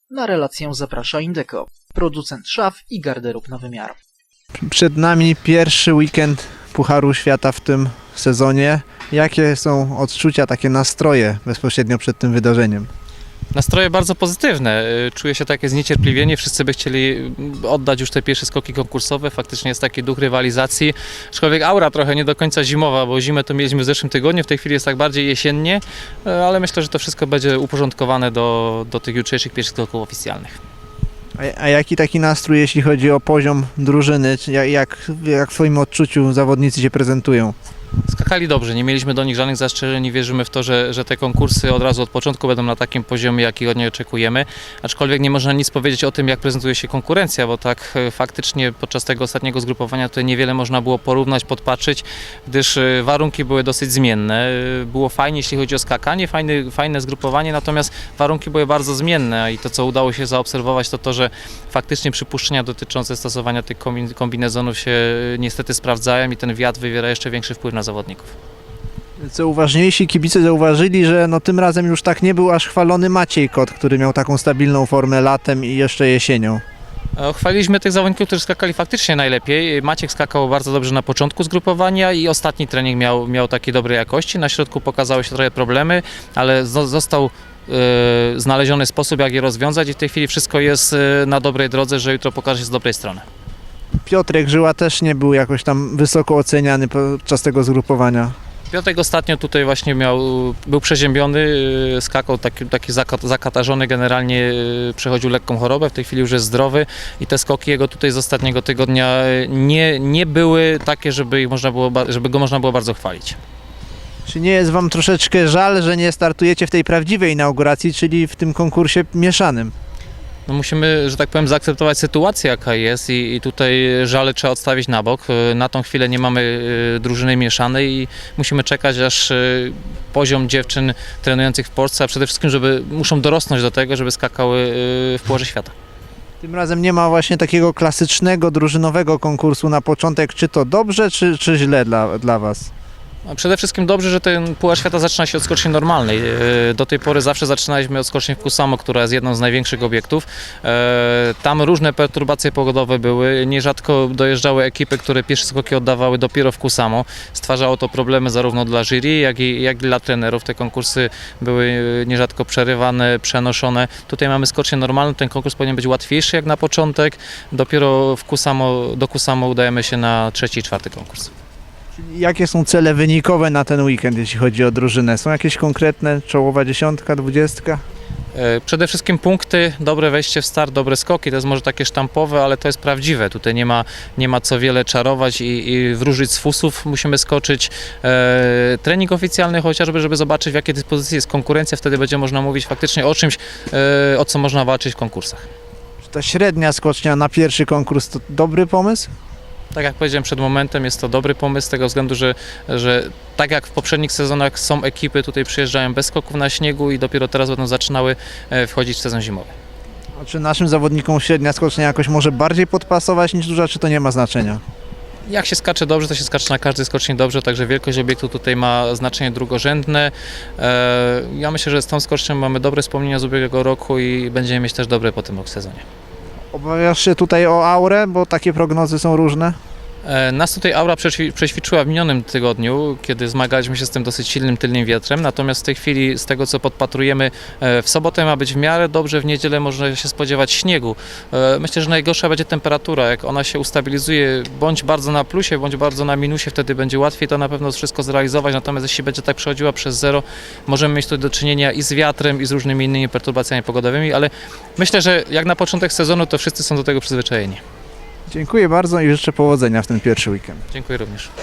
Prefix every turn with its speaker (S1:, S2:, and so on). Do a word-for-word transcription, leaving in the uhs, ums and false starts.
S1: Na relację zaprasza Indeco, producent szaf i garderób na wymiar.
S2: Przed nami pierwszy weekend Pucharu Świata w tym sezonie. Jakie są odczucia, takie nastroje bezpośrednio przed tym wydarzeniem?
S3: Nastroje bardzo pozytywne. Czuję się takie zniecierpliwienie. Wszyscy by chcieli oddać już te pierwsze skoki konkursowe. Faktycznie jest taki duch rywalizacji. Aczkolwiek aura trochę nie do końca zimowa, bo zimę to mieliśmy w zeszłym tygodniu. W tej chwili jest tak bardziej jesiennie, ale myślę, że to wszystko będzie uporządkowane do, do tych jutrzejszych pierwszych skoków oficjalnych.
S2: A, a jaki taki nastrój, jeśli chodzi o poziom drużyny? Czy jak, jak, jak w Twoim odczuciu zawodnicy się prezentują?
S3: Skakali dobrze, nie mieliśmy do nich żadnych zastrzeżeń i wierzymy w to, że, że te konkursy od razu od początku będą na takim poziomie, jaki od niej oczekujemy. Aczkolwiek nie można nic powiedzieć o tym, jak prezentuje się konkurencja, bo tak faktycznie podczas tego ostatniego zgrupowania tutaj niewiele można było porównać, podpatrzeć, gdyż warunki były dosyć zmienne. Było fajnie, jeśli chodzi o skakanie, fajne, fajne zgrupowanie, natomiast warunki były bardzo zmienne i to, co udało się zaobserwować, to to, że faktycznie przypuszczenia dotyczące stosowania tych kombinezonów się niestety sprawdzają i ten wiatr wywiera jeszcze większy wpływ na zawodników.
S2: Co uważniejsi kibice zauważyli, że no tym razem już tak nie był aż chwalony Maciej Kot, który miał taką stabilną formę latem i jeszcze jesienią.
S3: Chwaliliśmy tych zawodników, którzy skakali faktycznie najlepiej. Maciek skakał bardzo dobrze na początku zgrupowania i ostatni trening miał, miał takiej dobrej jakości. Na środku pokazały się trochę problemy, ale został yy, znaleziony sposób, jak je rozwiązać i w tej chwili wszystko jest yy, na dobrej drodze, że jutro pokaże się z dobrej strony.
S2: Piotrek Żyła też nie był jakoś tam wysoko oceniany podczas tego zgrupowania.
S3: Piotrek ostatnio tutaj właśnie miał, był przeziębiony, skakał taki, taki zakatarzony, generalnie przechodził lekką chorobę, w tej chwili już jest zdrowy i te skoki jego tutaj z ostatniego tygodnia nie, nie były takie, żeby, ich można było, żeby go można było bardzo chwalić.
S2: Czy nie jest Wam troszeczkę żal, że nie startujecie w tej prawdziwej inauguracji, czyli w tym konkursie mieszanym?
S3: No musimy, że tak powiem, zaakceptować sytuację, jaka jest i, i tutaj żale trzeba odstawić na bok. Na tą chwilę nie mamy drużyny mieszanej i musimy czekać, aż poziom dziewczyn trenujących w Polsce, a przede wszystkim, żeby muszą dorosnąć do tego, żeby skakały w Pucharze Świata.
S2: Tym razem nie ma właśnie takiego klasycznego, drużynowego konkursu na początek. Czy to dobrze, czy, czy źle dla, dla Was?
S3: Przede wszystkim dobrze, że ten Puchar Świata zaczyna się od skoczni normalnej. Do tej pory zawsze zaczynaliśmy od skoczni w Kusamo, która jest jedną z największych obiektów. Tam różne perturbacje pogodowe były. Nierzadko dojeżdżały ekipy, które pierwsze skoki oddawały dopiero w Kusamo. Stwarzało to problemy zarówno dla jury, jak i, jak i dla trenerów. Te konkursy były nierzadko przerywane, przenoszone. Tutaj mamy skocznię normalną, ten konkurs powinien być łatwiejszy jak na początek. Dopiero w Kusamo, do Kusamo udajemy się na trzeci i czwarty konkurs.
S2: Jakie są cele wynikowe na ten weekend, jeśli chodzi o drużynę? Są jakieś konkretne, czołowa dziesiątka, dwudziestka?
S3: Przede wszystkim punkty, dobre wejście w start, dobre skoki, to jest może takie sztampowe, ale to jest prawdziwe. Tutaj nie ma, nie ma co wiele czarować i, i wróżyć z fusów. Musimy skoczyć e, trening oficjalny chociażby, żeby zobaczyć, w jakiej dyspozycji jest konkurencja. Wtedy będzie można mówić faktycznie o czymś, e, o co można walczyć w konkursach.
S2: Czy ta średnia skocznia na pierwszy konkurs to dobry pomysł?
S3: Tak jak powiedziałem przed momentem, jest to dobry pomysł z tego względu, że, że tak jak w poprzednich sezonach są ekipy, tutaj przyjeżdżają bez skoków na śniegu i dopiero teraz będą zaczynały wchodzić w sezon zimowy.
S2: A czy naszym zawodnikom średnia skocznia jakoś może bardziej podpasować niż duża, czy to nie ma znaczenia?
S3: Jak się skacze dobrze, to się skacze na każdej skoczni dobrze, także wielkość obiektu tutaj ma znaczenie drugorzędne. Ja myślę, że z tą skocznią mamy dobre wspomnienia z ubiegłego roku i będziemy mieć też dobre po tym sezonie.
S2: Obawiasz się tutaj o aurę, bo takie prognozy są różne?
S3: Nas tutaj aura przećwiczyła w minionym tygodniu, kiedy zmagaliśmy się z tym dosyć silnym tylnym wiatrem, natomiast w tej chwili z tego, co podpatrujemy, w sobotę ma być w miarę dobrze, w niedzielę można się spodziewać śniegu. Myślę, że najgorsza będzie temperatura, jak ona się ustabilizuje bądź bardzo na plusie, bądź bardzo na minusie, wtedy będzie łatwiej to na pewno wszystko zrealizować, natomiast jeśli będzie tak przechodziła przez zero, możemy mieć tu do czynienia i z wiatrem, i z różnymi innymi perturbacjami pogodowymi, ale myślę, że jak na początek sezonu, to wszyscy są do tego przyzwyczajeni.
S2: Dziękuję bardzo i życzę powodzenia w ten pierwszy weekend.
S3: Dziękuję również.